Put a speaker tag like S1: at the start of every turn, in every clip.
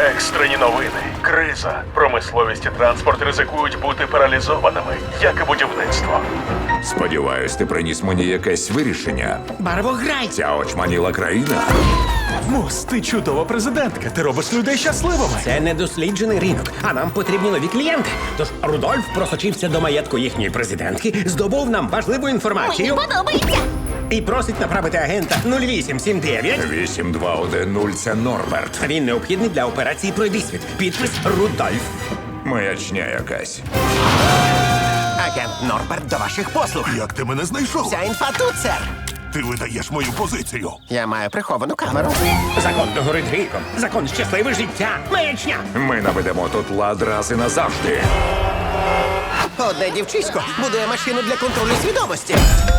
S1: Екстрені новини. Криза. Промисловість і транспорт ризикують бути паралізованими, як і будівництво.
S2: Сподіваюсь, ти приніс мені якесь вирішення.
S3: Барвограй!
S2: Ця очманіла країна.
S4: Мус, ти чудова президентка. Ти робиш людей щасливими.
S3: Це недосліджений ринок, а нам потрібні нові клієнти. Тож Рудольф просочився до маєтку їхньої президентки, здобув нам важливу
S5: Мені
S3: інформацію
S5: подобається.
S3: і просить направити агента 0879.
S2: 8210 – це Норберт.
S3: Він необхідний для операції «Пройдисвіт». Підпис Рудольф.
S2: Маячня якась.
S6: Агент Норберт до ваших послуг.
S7: Як ти мене знайшов?
S6: Вся інфа тут, сер.
S7: Ти видаєш мою позицію.
S6: Я маю приховану камеру.
S3: Закон догорить гріхом. Закон щасливе життя. Маячня.
S2: Ми наведемо тут лад раз і назавжди.
S6: Одне дівчисько будує машину для контролю свідомості.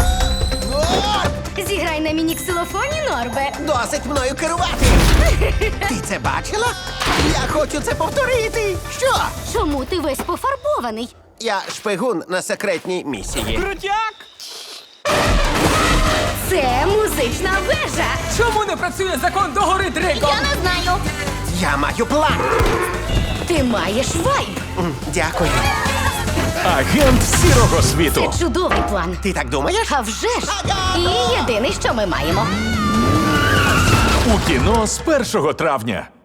S5: Зіграй на міні-ксилофоні, Норбе.
S6: Досить мною керувати. Ти це бачила? Я хочу це повторити. Що?
S5: Чому ти весь пофарбований?
S6: Я шпигун на секретній місії.
S5: Це музична вежа.
S8: Чому не працює закон догори Дрейком?
S5: Я не знаю.
S6: Я маю план.
S5: Ти маєш вайб.
S6: Дякую.
S4: Агент сірого світу.
S5: Це чудовий план.
S6: Ти так думаєш?
S5: А вже ж. І єдине, що ми маємо.
S4: У кіно з 1 травня.